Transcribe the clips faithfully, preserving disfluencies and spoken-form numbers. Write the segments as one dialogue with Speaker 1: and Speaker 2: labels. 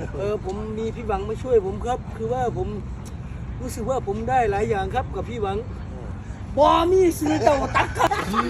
Speaker 1: เออผมมีพี่หวังมาช่วยผมครับคือว่าผมรู้สึกว่าผมได้หลายอย่างครับกับพี่หวังบอมีซื้อเต่าตักครับ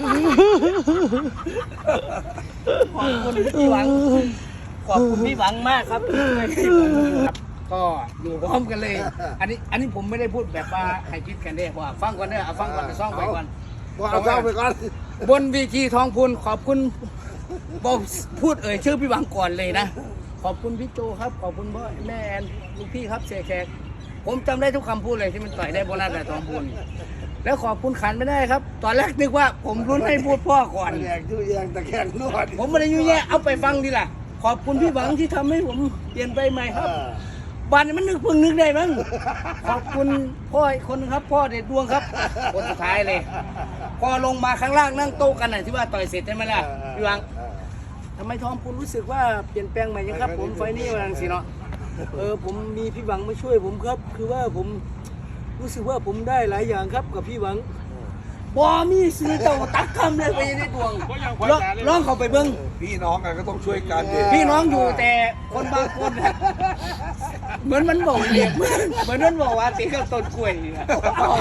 Speaker 1: ขอบคุณพี่หวังขอบคุณพี่หวังมากครับก็อยู่พร้อมกันเลยอันนี้อันนี้ผมไม่ได้พูดแบบว่าให้คิดกันได้ว่าฟังก่อนเด้อเอาฟังก่อนไปซ่องไปก่อน
Speaker 2: เอาซ่องไปก่อน
Speaker 1: บนวีทีทองพูนขอบคุณบอกพูดเอ่ยชื่อพี่หวังก่อนเลยนะขอบคุณพี่โจครับขอบคุณพ่อแม่แอนลูกพี่ครับเสียแขกผมจำได้ทุกคำพูดเลยที่มันต่อยได้โบนัสแต่ทองพูนแล้วขอบคุณขันไม่ได้ครับตอนแรกนึกว่าผมรุ้นให้พูดพ่อก่อน
Speaker 2: แยกยุ่ยแยงตะแคงนวด
Speaker 1: ผมไม่ได้ยุ่ยแย่เอาไปฟังดีล่ะขอบคุณพี่หวังที่ทำให้ผมเปลี่ยนไปใหม่ครับบ้านมันนึกเพิ่งนึกได้มั้งขอบคุณพ่ออีกคนครับพ่อเด็ดดวงครับคนสุดท้ายเลยพอลงมาข้างล่างนั่งโต๊ะกันน่ะที่ว่าต่อยเสร็จใช่ไหมล่ะพี่หวังทำไมทองพูนรู้สึกว่าเปลี่ยนแปลงใหม่ยังครับผมไฟนี้มาสิเนาะเออผมมีพี่หวังมาช่วยผมครับคือว่าผมรู้สึกว่าผมได้หลายอย่างครับกับพี่หวังบอมีซื้อเต่าตักคำเลยไปในดวงร้องเขาไปเบิ้ง
Speaker 2: พี่น้องกันก็ต้องช่วยกันดิ
Speaker 1: พี่น้องอยู่แต่คนบางคนเหมือนมันบอกเหลี่ยมเหมือนมันบอกว่าตีกับต้นกล้วยนี่นะ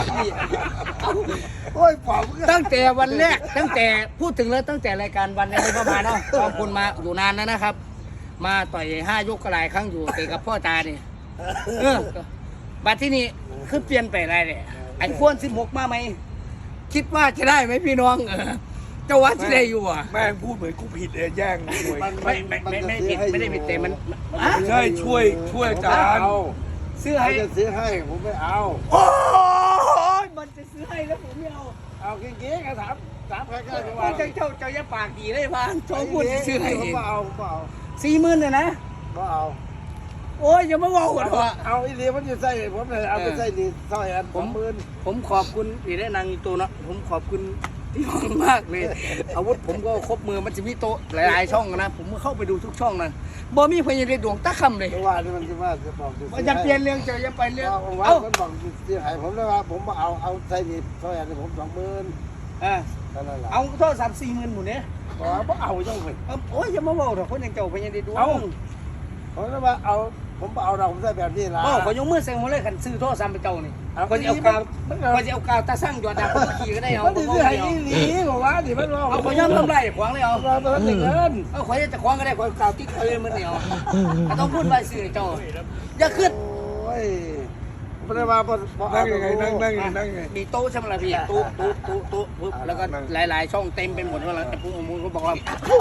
Speaker 2: โอ้ยผม
Speaker 1: ตั้งแต่วันแรกตั้งแต่พูดถึงแล้วตั้งแต่รายการวันนี้ประมาณเนาะขอบคุณมาอยู่นานแล้วนะครับ มาต่อยห้ายกกระไรครั้งอยู่เตะกับพ่อตาเนี่ยเออบัดที่นี่คือเปลี่ยนไปอะไรเนี่ยไอ้พ้นสิบหกมาไหมคิดว่าจะได้ไหมพี่น้องเออเจ้าวัดจะได้อยู่อ่ะ
Speaker 2: แม่งพูดเหมือนกูผิดเองแย่ง
Speaker 1: ไม่ไม่ไม่ไม่ผิดไม่ได้ผิดแต่มัน
Speaker 2: ใช่ช่วยช่วยอาจารย์
Speaker 1: ซื้อให้
Speaker 2: จะซื้อให้ผมไม่เอา
Speaker 1: โอ้ยมันจะซื้อให้แล้วผมไม่เอา
Speaker 2: เอาเก๊ๆกันถามถามใครก็
Speaker 1: ว่าเจ้าเจ้าเจ้าอย่าปากดีได้พานโชว์พูดซื้อให้
Speaker 2: ผมเอาผมเอา
Speaker 1: สี่หมื่นเลยนะ
Speaker 2: ผมเอา
Speaker 1: โอ้ยอย่ามาว่าหัวเราะ
Speaker 2: เอาอีเลียมันจะใส่ผมเลยเอาไปใส่ดีใส่อันผมหมื่น
Speaker 1: ผมขอบคุณอีได้นางตัวเนาะผมขอบคุณพี่น้องมากเลยอาวุธผมก็ครบมือมันจะมีโต๊ะหลายๆช่องนะผมเข้าไปดูทุกช่องนะบอมีพยานดวงตะคำเลย
Speaker 2: ว่านี่มันจะว่าจะบอก
Speaker 1: จะเปลี่ยนเรื่องจะจะไปเรื่อง
Speaker 2: เอาคนบอกที่หายผมเลยว่าผมเอาเอาใส่ดีใส่อันผมสองหมื่น
Speaker 1: อ่าเอาโทษสามสี่หมื่นหมดเนี้ย
Speaker 2: ผมเอาจังเลย
Speaker 1: โอ้ยอย่ามาบอกหรอกคนยังเจ้าพยานดวง
Speaker 2: เอาผมเลยว่าเอาผมเอาเราผมใส่แบบนี้ละ
Speaker 1: โอ้ขอยกมือเซ็งหัวเลยขันซื้อโทษซ้ำไปเจ้านี่คนจะเอากาวคนจะเอากาวตาสั่งหยอดดาคนขี่ก็ได้เอา
Speaker 2: ผมเอาเอาหนีผมว่าดิมัน
Speaker 1: เอาขอย่ำทำไรขวางเลยเอา
Speaker 2: เราต้องเงิน
Speaker 1: เอาขอยจะขวางก็ได้ขอยกาวติดเลยมันเหนียวต้องพูดไปสื่อเจ้าอย่าขึ้น
Speaker 2: โอ้ยไม่ได้มานั่งยังไงนั่งนั่งนั่งไง
Speaker 1: มีโต๊ะใช่ไหมล่ะพี่โต๊ะโต๊ะโต๊ะโต๊ะปุ๊บแล้วก็หลายๆช่องเต็มไปหมดว่าแต่พวกมูลเขาบอกว่า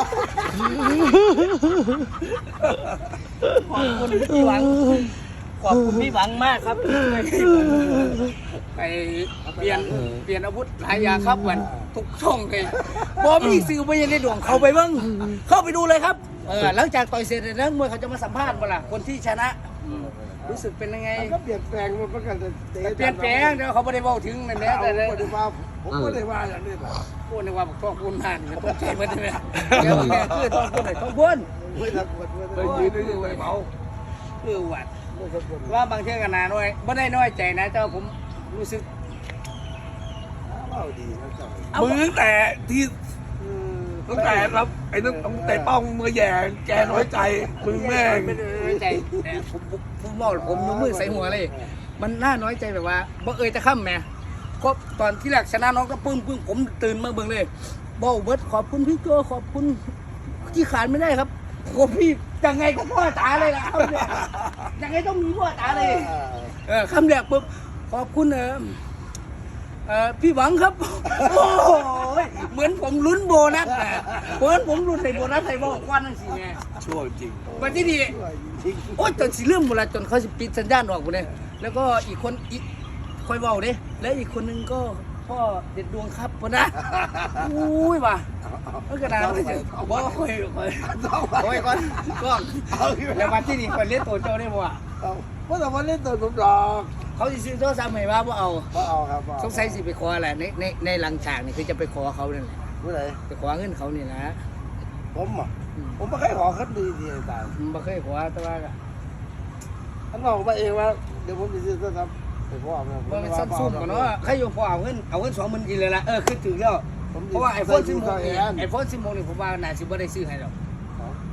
Speaker 1: ขอบคุณพี่หวังขอบคุณพี่หวังมากครับไปเปลี่ยนเปลี่ยนอาวุธหลายอย่างครับเหมือนทุกช่องเลยพอมีสื่อไปยังในดวงเขาไปบ้างเข้าไปดูเลยครับเออหลังจากต่อยเสร็จแล้วเมื่อเขาจะมาสัมภาษณ์เวลาคนที่ชนะรู้สึกเป็นยังไง
Speaker 2: ก็เปลี่ยนแปลงมันก็จะ
Speaker 1: เปลี่ยนแปลงเดี๋ยวเขาไม่ได้บอกถึงนั่นแหละแต่
Speaker 2: เลยผมไม่ได้ว่าอย่างนี้แบบ
Speaker 1: พูดในว่าท้องพูนผ่านต้องใจมันใช่ไหมเดี๋ยวแกคือท้องพูนไหนท้องพูน
Speaker 2: ไม่ทักหมดไม่ยืนไม่ยืนไม่เมา
Speaker 1: คือวัดว่าบางเชื่อกันนาน้อยไม่ได้น้อยใจนะเจ้าผมรู้สึก
Speaker 2: เอาดีนะเจ้ามือตั้งแต่ที่ตั้งแต่ครับไอ้ตั้งแต่ป้องมือแย่แกน้อยใจมึงแม่ง
Speaker 1: ไม่น้อยใจแต่ผมผมบอกผมยกมือใส่หัวเลยมันน่าน้อยใจแบบว่าบ่เอ่ยจะข้ามแม่ก็ตอนที่แรกชนะน้องก็ปึ้งปึ้งผมตื่นมาเบิ่งเลยบอกเบิร์ดขอบคุณพี่โจขอบคุณที่ขาดไม่ได้ครับผมพี่ยังไงก็พ่อตาเลยละยังไงต้องมีพ่อตาเลยเออคำแรกปุ๊บขอบคุณเออเออพี่หวังครับโอ้ยเหมือนผมลุ้นโบนัสเหมือนผมลุ้นในโบนัสไทยบอกควันนั่นสิไง
Speaker 2: ชั่วจริง
Speaker 1: วันที่ดีโอ้ยจนสิเรื่องเวลาจนเขาสิปิดสัญญาณออกหมดเลยแล้วก็อีกคนอีกคอยเบาเด้และอีกคนนึงก็พ่อเด็ดดวงครับพ่อนะอุ้ยว่ะเมื่อกระดาษเลยจ้ะบอกคอยคอยคอยก่อนก่อนแล้ววันที่นี่คอยเล่นตัวเจ้าได้บ่ะ
Speaker 2: เพราะแต่วันเล่นตัวผมดอก
Speaker 1: เขาจะซื้อโทรศัพท์ใหม่ว่าบ่เอา
Speaker 2: บ่เอาครับ
Speaker 1: สงสัยสิไปขออะไรในในในหลังฉากนี่คือจะไปขอเขาเนี่ยแหละ
Speaker 2: เมื่อไหร่
Speaker 1: ไปขอเงินเขานี่นะ
Speaker 2: ผมอ่ะผมไม่เคยขอคัดดีดีตาย
Speaker 1: ไม่เคยขอแต่ว่า
Speaker 2: ท่านบอกมาเองว่าเดี๋ยวผมจะซื้อโทรศัพท์ไปพ่อเนี่ย
Speaker 1: มันซัมซุงก่อนเนาะใครยอมพอเอาเงินเอาเงินสองหมื่นกินเลยละเออคือถึงแล้วเพราะว่าไอโฟนสิบหกไอโฟนสิบหกนี่ผมว่าน่าจะไม่ได้ซื้อให้หรอก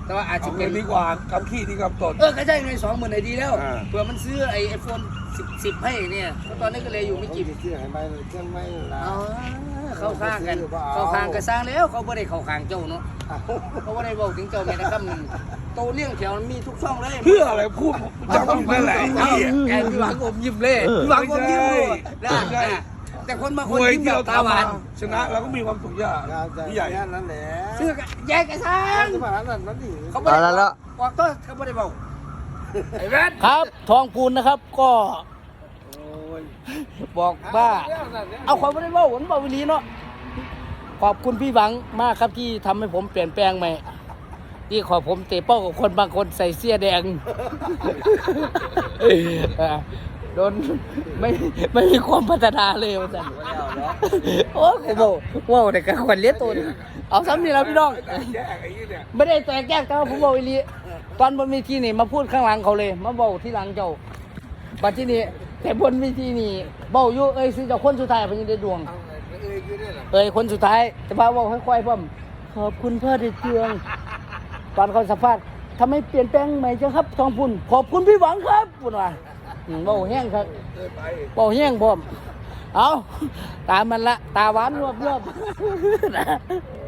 Speaker 1: แต่ว่าอาจจะ
Speaker 2: เอา
Speaker 1: เป็
Speaker 2: เงิ
Speaker 1: น
Speaker 2: นดีกว่ากำขี้ดีกำตด
Speaker 1: เออก็ใช่ไงสองหมื่นไอดีแล้ว
Speaker 2: อ่า
Speaker 1: เผื่อมันซื้อไอไอโฟนสิบสิบให้เนี่ยเพราะตอนนี้ก็เลยอยู่ไม่กี่
Speaker 3: เชื่อให้ไม่เชื่อไม่ละ
Speaker 1: อ๋อเข้าข้างกันเข้าข้างกันสร้างแล้วเขาไม่ได้เข้าข้างเจ้าเนาะเขาไม่ได้บอกถึงเจ้าแม่ตะคำโตเลี้ยงแถวมันมีทุกช่องเลย
Speaker 2: เพื่ออะไรพูดจำต้องนั่นแหละไอ้
Speaker 1: เอา
Speaker 2: เหี้ย
Speaker 1: แกพี่หวังอมยิ้มเลยพี่หวังอมยิ้มเลยนะ
Speaker 2: ไม่ใช่
Speaker 1: นะแต่คนบางค
Speaker 2: ม
Speaker 1: น
Speaker 2: วย
Speaker 1: ยิ้ม
Speaker 2: ที่
Speaker 1: แบ
Speaker 2: เรา
Speaker 1: บตา
Speaker 2: ทำ
Speaker 1: หวาม
Speaker 2: าน ชนะเราก็มีความสุขอย่างที่ใหญ่
Speaker 3: นั่นแหละ
Speaker 1: ซื้อกันแยกกันสร้าง
Speaker 3: จะมานั่นนั่นนี่
Speaker 1: เขาไม่ได้
Speaker 4: เอาละละ
Speaker 1: บอกก็เขาไม่ได้บอก
Speaker 2: ไอ้แว่น
Speaker 1: ครับทองปูนนะครับก็บอกว่าเอาความไม่ได้บอกผมบอกวิลีเนาะขอบคุณพี่หวังมากครับที่ทำให้ผมเปลี่ยนแปลงใหม่ที่ขอผมเตะเป้ากับคนบางคนใส่เสื้อแดง เออโดนไม่ไม่มีความพัฒนาเลยว่าสันโอ้กูบอกว่าเด็กกับคนเลี้ยงตัวนี่เอาซ้ำนี่แล้วพี่น้อง
Speaker 2: แยกไอ้ยี่เนี่ย
Speaker 1: ไม่ได้แต่แก้แต่ว่าผมบอกอีหลีตอนบนเวทีนี่มาพูดข้างหลังเขาเลยมาบอกที่หลังเจ้าบัดที่นี่แต่บนเวทีนี่เบ้าอยู่เอ้ยซื้อเจ้าคนสุดท้ายเพิ่นได้ดวง
Speaker 3: เอ้ยคือเนี่ย
Speaker 1: เอ้ยคนสุดท้ายแต่พาบอกค่อยๆพ่อมขอบคุณพ่อเด็ดเจืองตอนเขาสัมภาษณ์ทำไมเปลี่ยนแปลงใหม่จังครับทองพุ่นขอบคุณพี่หวังครับพุ่นว่าอืมเบ้าแห้งครับ
Speaker 2: เคยไป
Speaker 1: เบ้าแห้งพร้อมเอาตามมันละตาหวานรวบรวบ